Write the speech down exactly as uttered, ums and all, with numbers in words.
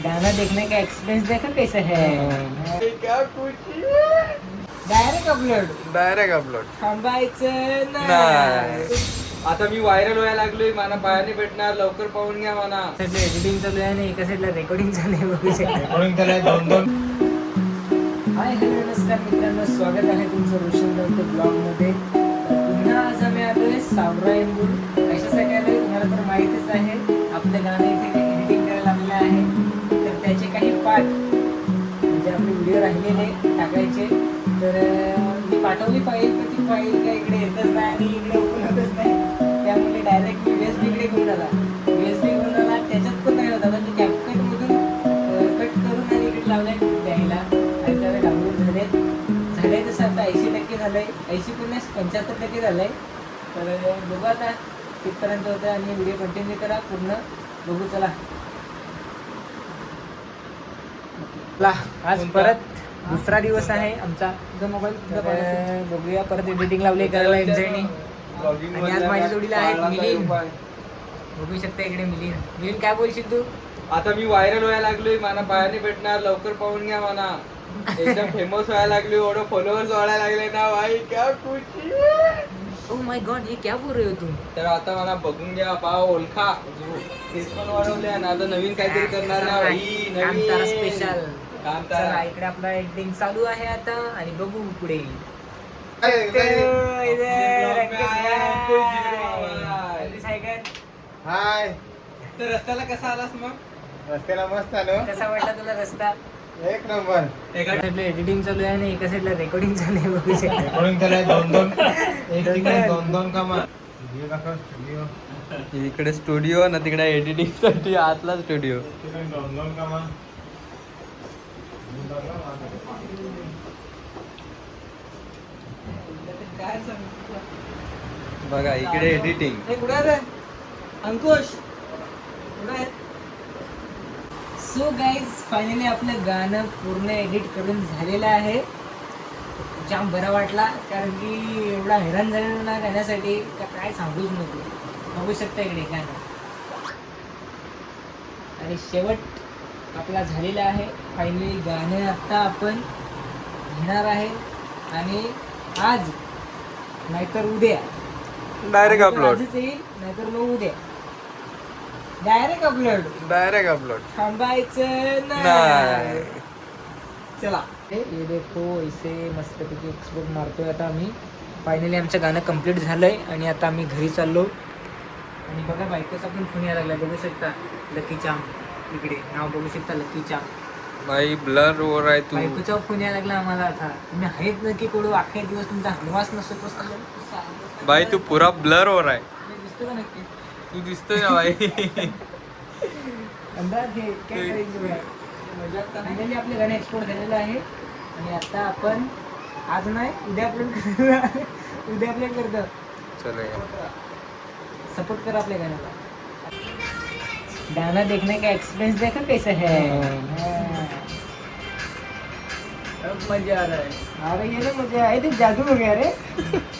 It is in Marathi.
गाना देखने का एक्सपीरियंस देखा कैसे है। क्या खुशी है। डायरेक्ट अपलोड डायरेक्ट अपलोड थांबायचं नाही. नाही. आता मी व्हायरल व्हायला लागलोय. मला पायाने भेटणार, लवकर पाहून घ्या मला. एडिटिंग चालू आहे आणि एका साईडला रेकॉर्डिंग चालू आहे. बघू शकता. रेकॉर्डिंग त्याला दोन दोन. हाय हॅलो नमस्कार मित्रांनो, स्वागत आहे तुमचं रोशन दत्त ब्लॉगमध्ये. पुन्हा आज आम्ही आलोय सावरा इंदूर. कशासाठी आलोय तुम्हाला तर माहितीच आहे. आपलं गाणं इथे एडिटिंग करायला लागलेलं आहे, तर त्याचे काही पार्ट म्हणजे आपले व्हिडिओ राहिलेले टाकायचे. तर मी पाठवली फाईल, पण ती फाईल काय इकडे येतच नाही आणि इकडे ओपन होतच नाही. त्यामुळे डायरेक्ट मी वेस्ट इकडे घेऊन आला वेस्ट घेऊन आला त्याच्यात पण नाही होता. म्हणजे कॅपकटमधून कट करून आणि इकडे लावलाय द्यायला आणि त्याला डाउनलोड झाले झाले तसं आता ऐंशी टक्के झालं आहे. ऐंशी पन्नास पंच्याहत्तर टक्के झालं आहे. तर बघू आता कितपर्यंत होतं आणि व्हिडिओ कंटिन्यू करा पूर्ण बघू. चला आज परत दुसरा दिवस आहे आमचा. मोबाईल बघूया परत एडिटिंग लावली करायला एमजेनी. आणि आज माझ्या जोडीला आहेत मिलिंद. बघू शकता इकडे मिलिंद. मिलिंद काय बोलशील तू? आता मी व्हायरल व्हायला लागलोय. मला पायाने भेटणार, लवकर पाहून घ्या मला. एकदम फेमस व्हायला लागलोय. एवढं फॉलोअर्स वाढायला लागले ना भाई. क्या खुशी है. ओह माय गॉड, ये क्या बोल रहे हो तुम? तर आता मला बघून घ्या, पाव ओळखा. तेच पण वाढवले आणि आता नवीन काहीतरी करणार ना भाई. कामतारा स्पेशल. कामतारा. चला इकडे आपला एडिटिंग चालू आहे आता आणि बघू पुढे. हाय. तर रस्त्याला कसा आलास मग? रस्त्याला मस्त आलो. कसा वाटला तुला रस्ता? एक नंबर. एका साईडला एडिटिंग चालू आहे आणि एका साईडला रेकॉर्डिंग चालू आहे. बघू शकता. रेकॉर्डिंग त्याला दोन दोन एक तिकडे दोन दोन कामा. स्टुडिओ दाखव. स्टुडिओ इकडे स्टुडिओ ना तिकडे एडिटिंग साठी आतला स्टुडिओ. दोन दोन कामा. बघा इकडे एडिटिंग. कुठे आहे अंकुश? कुठे आहे? सो गाईज फायनली आपलं गाणं पूर्ण एडिट करून झालेलं आहे. जाम बरा वाटला कारण की एवढा हैराण झालेलो ना गाण्यासाठी का काय सांगूच नको. बघू शकता इकडे गाणं आणि शेवट आपला झालेला आहे. फायनली गाणं आत्ता आपण घेणार आहे आणि आज नाहीतर उद्या डायरेक्ट अपलोड. आजच येईल नाहीतर मग उद्या डायरेक्ट अपलोड. डायरेक्ट अपलोड थांबायचं नाही. नाही. चला ये देखो इसे मस्तपैकी एक्सपोर्ट मारतोय आता आम्ही. फायनली आमचं गाणं कम्प्लीट झालंय आणि आता आम्ही घरी चाललो. आणि बघा बायकोचा पण फोन यायला लागला. बघू शकता लकी चाम इकडे नाव बघू शकता लकी चाम. भाई ब्लर ओवर आहे तू. बायकोचा फोन यायला लागला आम्हाला. आता तुम्ही आहेत नक्की कडू अख्खे दिवस तुमचा हलवास नसतो. भाई तू पुरा ब्लर ओवर आहे. दिसतो का नक्की? तू दिसतोय ना भाई. अंदाज घे काय करायचं. फायनली आपले गाणे एक्सपोर्ट झालेलं आहे आणि आता आपण आज नाही उद्या अपलोड करतो. उद्या अपलोड करतो. चलेगा. सपोर्ट करा आपल्या गाण्याला. गाना देखने का एक्सपीरियंस देखा कैसे है. अब मजा आ रहा है. अरे ये ना मजा आहे. ते जादू हो गया रे.